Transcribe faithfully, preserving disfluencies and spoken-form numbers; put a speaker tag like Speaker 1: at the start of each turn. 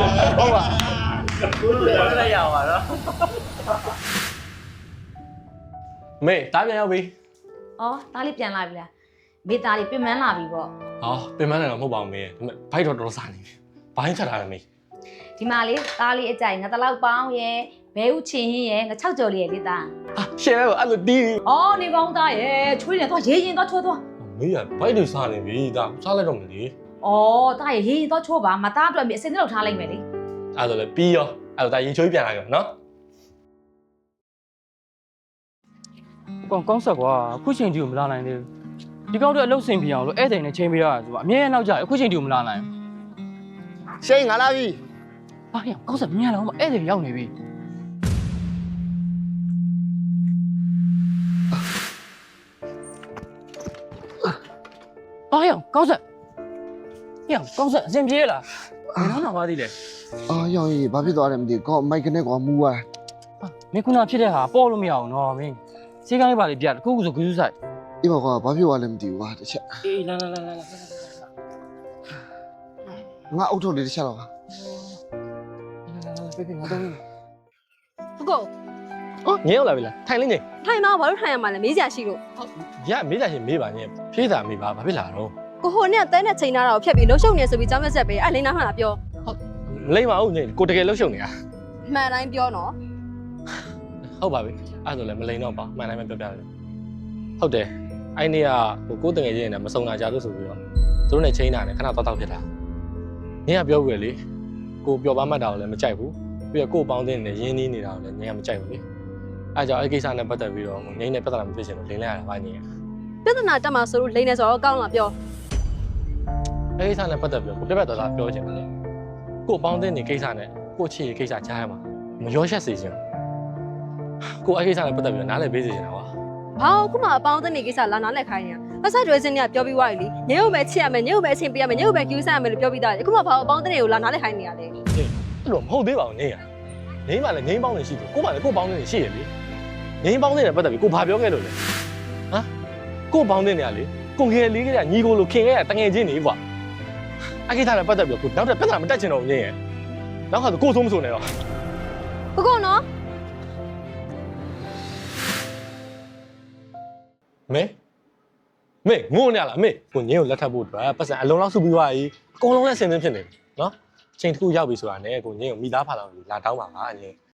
Speaker 1: ဟုတ်ပါ
Speaker 2: ကိုယ်လည်းလည်းရပါတော့မေတားပြန်ရောက်ပြီ
Speaker 3: ။အော်သားလေးပြန်လာပြီလား။မိသားလေးပြင်မလာပြီပေါ့
Speaker 2: ဟောပြင်မနေတော့မဟုတ်ပါဘူးမေဒါပေမဲ့ဘိုက်တော့တော်စားနေပြီဘိုင်းချက်ထားတယ်မေ
Speaker 3: ။ဒီမှာလေးသားလေးအကြိုက်ငါတလောက်ပေါင်းရဲ့ဘဲဥချင်းဟင်းရဲ့ငါ၆ကြော်လေးရဲ့လေးသား
Speaker 2: ဟာရှယ်အဲ့လိုတီး
Speaker 3: ။အော်နေကောင်းသားရဲ့ချွေးနေတော့ရေးရင်တော့ချိုးတော့
Speaker 2: မေကဘိုက်တွေစားနေပြီဒါစားလိုက်တော့မလေ
Speaker 3: ။အော်သားရဲ့ရေးရင်တော့ချိုးပါမသားအတွက်မြအစင်းလောက်ထားလိုက်မယ်လေ
Speaker 2: အဲ့ဒါလည်းပြီးရောအဲ့ဒါရေချိုးပြန်လာကြနော်
Speaker 1: ကောင်းကောင်းဆက်ကွာအခုချိန်ဒီကိုမလာနိုင်သေးဘူးဒီကောက်တော့အလုပ်ဆင်ပြေအောင်လို့ဧည့်သည်နဲ့ချိန်ပေးရတာဆိုတော့အမြဲတမ်းနောက်ကြအခုချိန်ဒီကိုမလာနိုင်
Speaker 4: ရှိန်ငါလာပြီ
Speaker 1: ဘာရကောင်းဆက်မြန်လာအောင်ဧည့်သည်ရောက်နေပြီဘာရကောင်းဆက်ရကောင်းဆက်အစင်ပြေးလားဘယ်တော့မှမပါသေးလဲ
Speaker 4: အာရောင်ကြီးဘာဖြစ်သွားတယ်မသိဘူးကောမိုက်ကနေကွာမူသွား
Speaker 1: မင်းခုနဖြစ်တဲ့ဟာပေါ်လို့မရအောင်နော်မင်းစေးကန်းလေးပါလေးပြတခုခုဆိုဂူးစုဆိုင်
Speaker 4: အေးပါကွာဘာဖြစ်သွားလဲမသိဘူးကွာတစ်ချက်
Speaker 1: အေးလာလာလာလာလာ
Speaker 4: ငါအုတ်ထုတ်လေးတစ်ချက်တော့
Speaker 1: ပြေးပြေးငါတော့
Speaker 5: ဟုတ်ကော
Speaker 2: ငင်းရောက်လာပြီလားထိုင်လေးနေ
Speaker 5: ထိုင်တော့ဘာလို့ထိုင်ရမှာလဲမေးစရာရှိလို့
Speaker 2: ရမေးကြရှင်မေးပါညဖြေးတာမေးပါဘာဖြစ်လာတော့
Speaker 5: ကိုဟိုနဲ့တဲနဲ့ချိန်ထားတာကိုဖျက်ပြီးလှုပ်ရှုပ်နေဆိုပြီးကြောင်းရက်ဆက်ပဲအဲ့လိန်နာမှလာပြော
Speaker 2: လိမ့်ပါဦးညကိုတကယ်လှုပ်ရှုပ်နေတာ
Speaker 5: မှန်တိုင်းပြောနော်
Speaker 2: ဟုတ်ပါပြီအဲ့ဒါဆိုလည်းမလိန်တော့ပါမှန်တိုင်းပဲပြောပြတယ်ဟုတ်တယ်အဲ့နေ့ကဟိုကိုတငယ်ချင်းနဲ့မစုံတာကြလို့ဆိုပြီးတော့သူတို့နဲ့ချိန်တာနဲ့ခဏတော့တော့ဖြစ်တာညကပြောပြီးလေကိုပျော်ပါမှတ်တာကိုလည်းမကြိုက်ဘူးပြီးတော့ကိုပေါင်းတဲ့နဲ့ရင်းနှီးနေတာကိုလည်းညကမကြိုက်ဘူးလေအဲ့ကြောင့်အဲ့ကိစ္စနဲ့ပတ်သက်ပြီးတော့ငိမ့်နဲ့ပြဿနာမဖြစ်ချင်လို့လိန်လိုက်ရတာပါညက
Speaker 5: ပြဿနာတက်မှာဆိုလို့လိန်နေဆိုတော့ကောင်းလာပြော
Speaker 2: အဲ့ကိစ္စနဲ့ပတ်သက်ပြီးတော့ကိုပြက်ပြက်သားသားပြောချင်တယ်ကိုပေါင်းတဲ့နေကိစ္စနဲ့ကိုချစ်ရဲ့ကိစ္စကြားရမှာမရောရှက်စေချင်ကိုအဲ့ကိစ္စနဲ့ပတ်သက်ပြီးတော့နားလည်ပေးစေချင်တာကွာ
Speaker 5: ဘာလို့ခုမှအပေါင်းအသင်းနေကိစ္စလာနားလက်ခိုင်းနေတာအဆက်ကျွဲစင်းကပြောပြီးွားပြီလေညို့ပဲချစ်ရမယ်ညို့ပဲအချင်းပေးရမယ်ညို့ပဲကျူးဆရမယ်လို့ပြောပြီးသားလေအခုမှဘာလို့အပေါင်းအသင်းတွေကိုလာနားလက်ခိုင်းနေရလဲ
Speaker 2: အဲ့လိုမဟုတ်သေးပါဘူးနေရငိမ့်မှလည်းငိမ့်ပေါင်းနေရှိတယ်ကိုမှလည်းကိုပေါင်းနေရှိရလေငိမ့်ပေါင်းနေတဲ့ပတ်သက်ပြီးကိုဘာပြောခဲ့လို့လဲဟမ်ကိုပေါင်းတဲ့နေရလေကိုငယ်လေးကညီကိုလိုခင်ခဲ့ရတငယ်ချင်းနေကွာအဲ့ကိစ္စနဲ့ပတ်သက်ပြီးကိုနောက်ထပ်ပြဿနာမတက်ချင်တော့ဘူးငိမ့်ရနောက်ခါဆိုကိုဆိုးမဆိုးနဲ့တော့
Speaker 5: ကိုကောနော်
Speaker 2: မေမေငိုနေရလားမေကိုငင်းကိုလက်ထပ်ဖို့အတွက်ပတ်စံအလုံးလောက်စုပြီးသွားပြီအကုန်လုံးလည်းဆင်သင်းဖြစ်နေပြီနော်ချိန်တစ်ခုရောက်ပြီဆိုတာနဲ့ကိုငင်းကိုမိသားဖာလောက်လာတောင်းပါပါငင်း